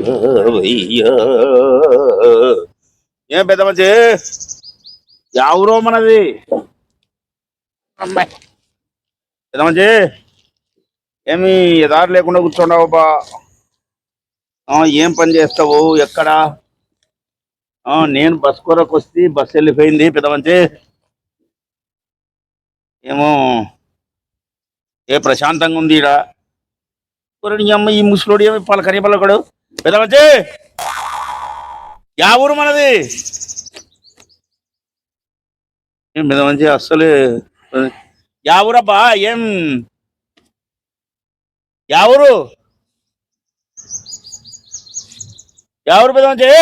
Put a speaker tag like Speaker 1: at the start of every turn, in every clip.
Speaker 1: ఏం పెద్ద మంచి ఎవరో మనది అమ్మాయి పెద్ద మంచి ఏమి ఎదారు లేకుండా కూర్చోండావు బా. ఏం పని చేస్తావు ఎక్కడ? నేను బస్ కొరకు వస్తే బస్సు వెళ్ళిపోయింది పెద్ద మంచి. ఏమో ఏ ప్రశాంతంగా ఉంది ఈడ. నీ అమ్మ ఈ ముసలోడు ఏమి పలకరి పలకడు. పెద్ద మంచి యా ఊరు మనది? ఏం పెద్ద మంచి అస్సలు యా ఊరబ్బా? ఏం యా ఊరు? యా ఊరు పెద్ద మంచి?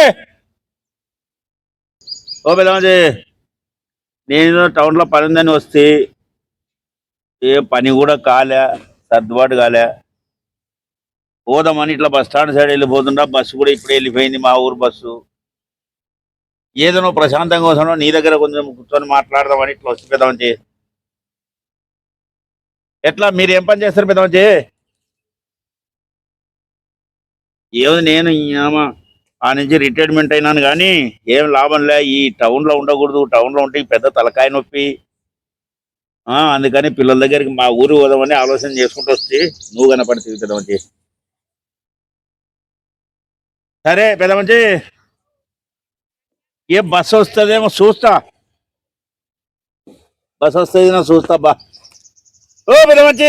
Speaker 1: ఓ పెద్ద మంచి, నేను టౌన్లో పని ఉందని వస్తే ఏ పని కూడా కాలే, సర్దుబాటు కాలే. పోదామని ఇట్లా బస్ స్టాండ్ సైడ్ వెళ్ళిపోతుంటా. బస్సు కూడా ఇప్పుడే వెళ్ళిపోయింది, మా ఊరు బస్సు. ఏదో నువ్వు ప్రశాంతంగా వస్తాను, నీ దగ్గర కొంచెం కూర్చొని మాట్లాడదామని ఇట్లా వచ్చి పెద్ద మంచి. ఎట్లా మీరు ఏం పని చేస్తారు పెద్ద మంచి? ఏదో నేను ఆ నుంచి రిటైర్మెంట్ అయినాను కానీ ఏం లాభంలే. ఈ టౌన్లో ఉండకూడదు, టౌన్లో ఉంటే పెద్ద తలకాయ నొప్పి. అందుకని పిల్లల దగ్గరికి మా ఊరు పోదామని ఆలోచన చేసుకుంటూ వస్తే నువ్వు కనపడుతుంది పెద్ద మంచి. సరే పెద్ద మంచి, ఏ బస్సు వస్తుందేమో చూస్తా. బస్ వస్తుంది నా చూస్తా బా. ఓ పెద్ద మంచి,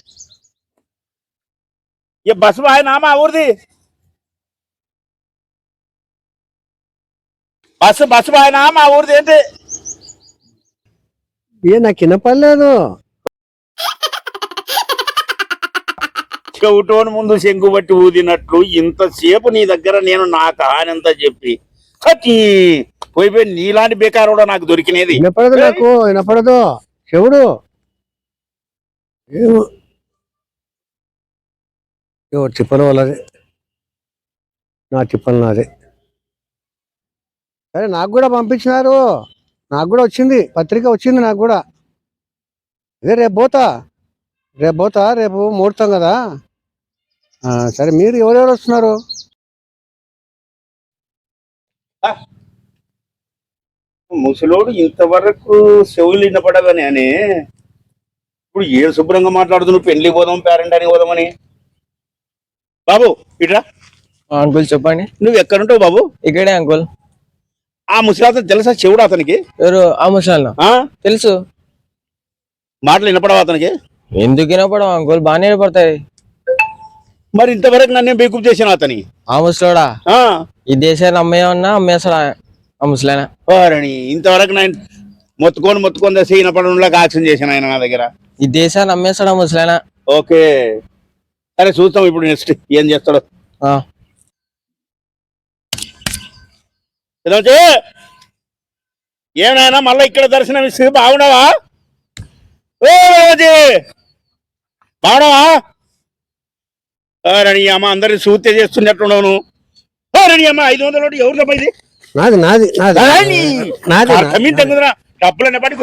Speaker 1: ఏ బస్సు బాగా మా ఊరిది? బస్సు బాగా మా ఊరిది ఏంటి?
Speaker 2: నాకు వినపడలేదు.
Speaker 1: చెవిటోని ముందు శంకు బట్టి ఊదినట్లు ఇంతసేపు నీ దగ్గర నేను నా కహానంతా చెప్పి పోయిపోయి నీలాంటి బేకారు కూడా నాకు దొరికినది.
Speaker 2: వినపడదు, నాకు వినపడదు. చెవుడు ఎవరు చెప్పను వాళ్ళది, నా చెప్పను నాది. సరే, నాకు కూడా పంపించినారు, నాకు కూడా వచ్చింది, పత్రిక వచ్చింది నాకు కూడా. అదే రేపు పోతా, రేపు ముహూర్తం కదా. సరే, మీరు ఎవరెవరు వస్తున్నారు?
Speaker 1: ముసలోడు ఇంతవరకు చెవులు వినపడగానే అని ఇప్పుడు ఏ శుభ్రంగా మాట్లాడుతున్నావు? పెళ్లి పోదాం, పేరెంట్ అని పోదామని. బాబు ఇట్రా.
Speaker 3: అంకుల్ చెప్పండి.
Speaker 1: నువ్వు ఎక్కడుంటావు బాబు?
Speaker 3: ఇక్కడే అంకుల్.
Speaker 1: ఆ ముసలి తెలుసా చెవుడు అతనికి?
Speaker 3: ఎవరు ఆ ముసలి? తెలుసు.
Speaker 1: మాటలు వినపడవు అతనికి?
Speaker 3: ఎందుకు వినపడవు అంకుల్, బాగానే వినపడతాయి.
Speaker 1: మరి ఇంతవరకు నన్నే బేకూప్ చేశాను అతని.
Speaker 3: ఆ ముసలోడా ఈ దేశాన్ని అమ్మేస్తాడా ఆ ముసలైనా?
Speaker 1: ఇంతవరకు నేను మొత్తుకొని దశ వినపడంలాగా యాక్షన్ చేశాను ఆయన నా దగ్గర.
Speaker 3: ఈ దేశాన్ని అమ్మేస్తాడా ముసలైనా?
Speaker 1: ఓకే సరే, చూస్తాం ఇప్పుడు నెక్స్ట్ ఏం చేస్తాడు. ఏమైనా మళ్ళీ ఇక్కడ దర్శనం ఇస్తే బాగున్నావా? బాగున్నావా? రణి అమ్మ అందరిని సూత్య చేస్తున్నట్టున్నావు. రణి అమ్మ 500 ఎవరు తప్పది? డబ్బులనే పడి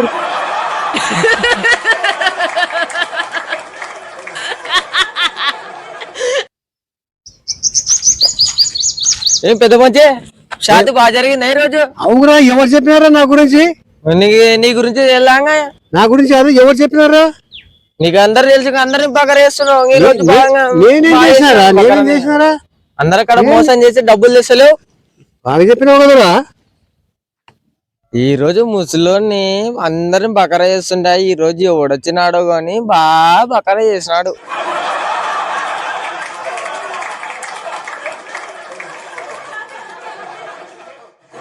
Speaker 3: ఏం పెద్ద మంచి షాది బాగా జరిగింది ఈ రోజు?
Speaker 2: అవునా, ఎవరు చెప్పినారా నా గురించి?
Speaker 3: నీ గురించి వెళ్ళాగా.
Speaker 2: నా గురించి ఎవరు చెప్పినారా?
Speaker 3: నీకు అందరు తెలుసు, అందరిని బాగా చేస్తున్నావు. అందరు అక్కడ మోసం చేసి డబ్బులు తెస్తలేవు.
Speaker 2: బాగా చెప్పినావు కదరా.
Speaker 3: ఈ రోజు ముసలోని అందరిని బకరా చేస్తుంటా. ఈ రోజు ఎవడొచ్చినాడో గాని బాగా బకరా చేసినాడు.